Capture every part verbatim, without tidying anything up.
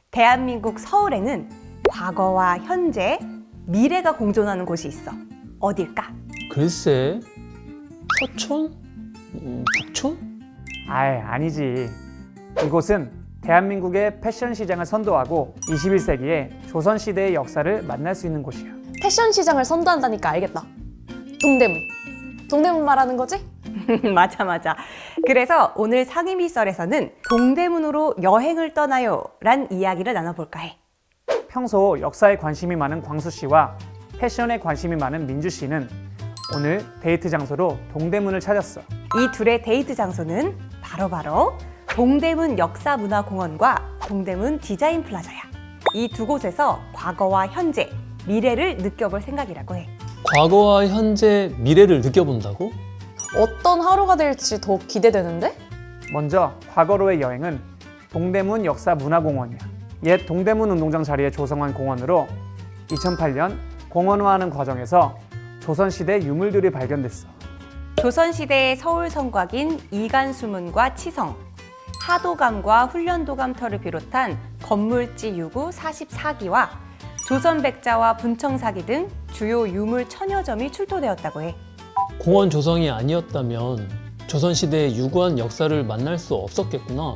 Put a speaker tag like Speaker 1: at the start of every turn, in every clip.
Speaker 1: 대한민국 서울에는 과거와 현재, 미래가 공존하는 곳이 있어. 어딜까?
Speaker 2: 글쎄, 서촌? 음, 북촌?
Speaker 3: 아이, 아니지. 이곳은 대한민국의 패션 시장을 선도하고 이십일 세기의 조선시대의 역사를 만날 수 있는 곳이야.
Speaker 4: 패션 시장을 선도한다니까 알겠다. 동대문. 동대문 말하는 거지?
Speaker 1: 맞아 맞아. 그래서 오늘 상임이설에서는 동대문으로 여행을 떠나요 란 이야기를 나눠볼까 해.
Speaker 3: 평소 역사에 관심이 많은 광수 씨와 패션에 관심이 많은 민주 씨는 오늘 데이트 장소로 동대문을 찾았어.
Speaker 1: 이 둘의 데이트 장소는 바로바로 동대문 역사문화공원과 동대문 디자인 플라자야. 이 두 곳에서 과거와 현재, 미래를 느껴볼 생각이라고 해.
Speaker 2: 과거와 현재, 미래를 느껴본다고?
Speaker 4: 어떤 하루가 될지 더 기대되는데?
Speaker 3: 먼저 과거로의 여행은 동대문 역사문화공원이야. 옛 동대문 운동장 자리에 조성한 공원으로 이천팔 년 공원화하는 과정에서 조선시대 유물들이 발견됐어.
Speaker 1: 조선시대의 서울 성곽인 이간수문과 치성, 하도감과 훈련도감터를 비롯한 건물지 유구 사십사 기와 조선백자와 분청사기 등 주요 유물 천여 점이 출토되었다고 해.
Speaker 2: 공원 조성이 아니었다면 조선시대의 유구한 역사를 만날 수 없었겠구나.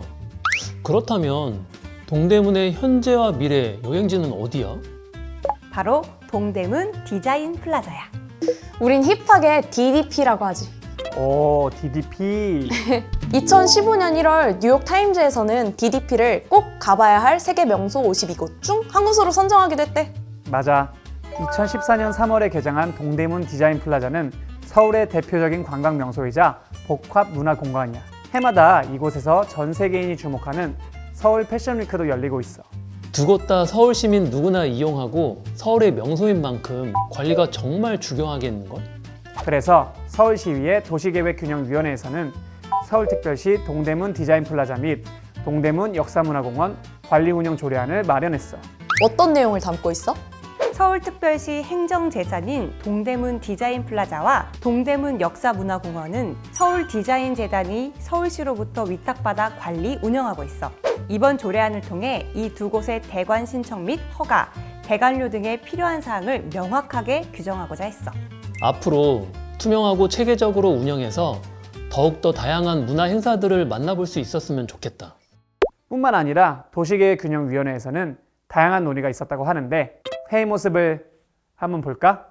Speaker 2: 그렇다면 동대문의 현재와 미래 여행지는 어디야?
Speaker 1: 바로 동대문 디자인 플라자야.
Speaker 4: 우린 힙하게 디디피라고 하지.
Speaker 3: 오, 디디피.
Speaker 4: 이천십오 년 일월 뉴욕 타임즈에서는 디디피를 꼭 가봐야 할 세계 명소 오십이 곳 중 한 곳으로 선정하기도 했대.
Speaker 3: 맞아. 이천십사 년 삼월에 개장한 동대문 디자인 플라자는 서울의 대표적인 관광 명소이자 복합 문화 공간이야. 해마다 이곳에서 전 세계인이 주목하는 서울 패션 위크도 열리고 있어.
Speaker 2: 두 곳 다 서울 시민 누구나 이용하고 서울의 명소인 만큼 관리가 정말 중요하겠는걸?
Speaker 3: 그래서 서울시의회 도시계획균형위원회에서는 서울특별시 동대문 디자인 플라자 및 동대문 역사문화공원 관리운영 조례안을 마련했어.
Speaker 4: 어떤 내용을 담고 있어?
Speaker 1: 서울특별시 행정재산인 동대문 디자인 플라자와 동대문 역사문화공원은 서울디자인재단이 서울시로부터 위탁받아 관리, 운영하고 있어. 이번 조례안을 통해 이 두 곳의 대관 신청 및 허가, 대관료 등의 필요한 사항을 명확하게 규정하고자 했어.
Speaker 2: 앞으로 투명하고 체계적으로 운영해서 더욱더 다양한 문화 행사들을 만나볼 수 있었으면 좋겠다.
Speaker 3: 뿐만 아니라 도시계획균형위원회에서는 다양한 논의가 있었다고 하는데 회의 모습을 한번 볼까?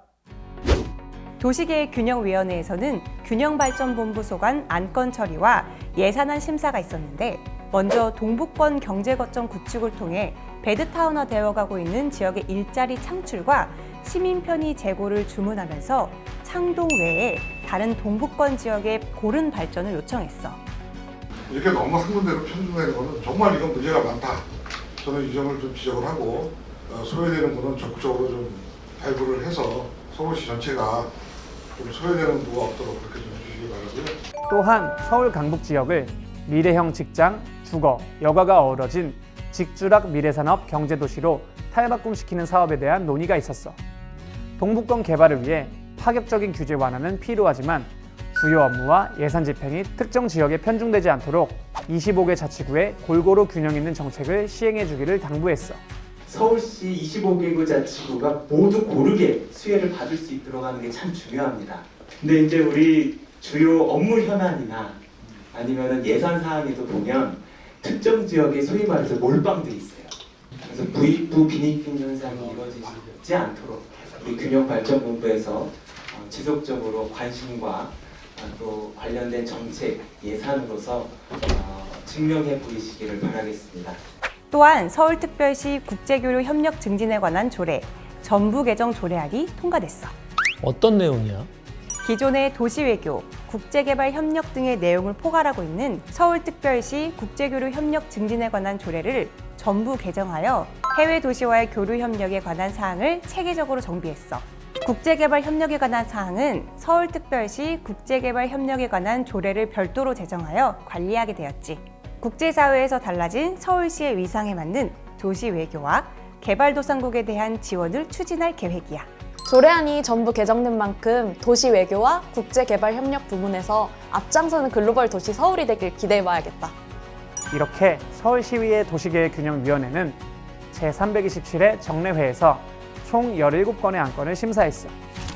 Speaker 1: 도시계획균형위원회에서는 균형발전본부 소관 안건 처리와 예산안 심사가 있었는데, 먼저 동북권 경제거점 구축을 통해 베드타운화 되어가고 있는 지역의 일자리 창출과 시민 편의 제고를 주문하면서 창동 외에 다른 동북권 지역의 고른 발전을 요청했어.
Speaker 5: 이렇게 너무 한 군데로 편중되는 것은 정말 이건 문제가 많다. 저는 이 점을 좀 지적을 하고 어, 소외되는 분은 적극적으로 좀 발굴을 해서 서울시 전체가 좀 소외되는 부가 없도록 그렇게 좀 해주시기 바라고요.
Speaker 3: 또한 서울 강북 지역을 미래형 직장, 주거, 여가가 어우러진 직주락 미래산업 경제도시로 탈바꿈시키는 사업에 대한 논의가 있었어. 동북권 개발을 위해 파격적인 규제 완화는 필요하지만 주요 업무와 예산 집행이 특정 지역에 편중되지 않도록 이십오 개 자치구에 골고루 균형 있는 정책을 시행해 주기를 당부했어.
Speaker 6: 서울시 이십오 개구 자치구가 모두 고르게 수혜를 받을 수 있도록 하는 게 참 중요합니다. 근데 이제 우리 주요 업무 현안이나 아니면은 예산 사항에도 보면 특정 지역에 소위 말해서 몰빵돼 있어요. 그래서 부익부 빈익빈 현상이 이루어지지 않도록 우리 균형발전본부에서 지속적으로 관심과 또 관련된 정책, 예산으로서 증명해 보이시기를 바라겠습니다.
Speaker 1: 또한 서울특별시 국제교류 협력 증진에 관한 조례, 전부 개정 조례안이 통과됐어.
Speaker 2: 어떤 내용이야?
Speaker 1: 기존의 도시외교, 국제개발 협력 등의 내용을 포괄하고 있는 서울특별시 국제교류 협력 증진에 관한 조례를 전부 개정하여 해외 도시와의 교류 협력에 관한 사항을 체계적으로 정비했어. 국제개발 협력에 관한 사항은 서울특별시 국제개발 협력에 관한 조례를 별도로 제정하여 관리하게 되었지. 국제사회에서 달라진 서울시의 위상에 맞는 도시 외교와 개발도상국에 대한 지원을 추진할 계획이야.
Speaker 4: 조례안이 전부 개정된 만큼 도시 외교와 국제개발 협력 부문에서 앞장서는 글로벌 도시 서울이 되길 기대해봐야겠다.
Speaker 3: 이렇게 서울시의회 도시계획균형위원회는 제삼백이십칠 회 정례회에서 총 열일곱 건의 안건을 심사했어.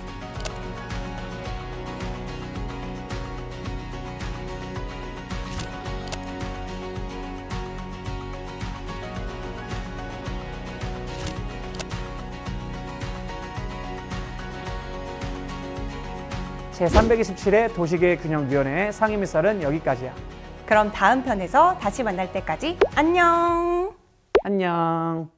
Speaker 3: 제삼백이십칠 회 도시계획균형위원회의 상임위설은 여기까지야.
Speaker 1: 그럼 다음 편에서 다시 만날 때까지 안녕!
Speaker 3: 안녕.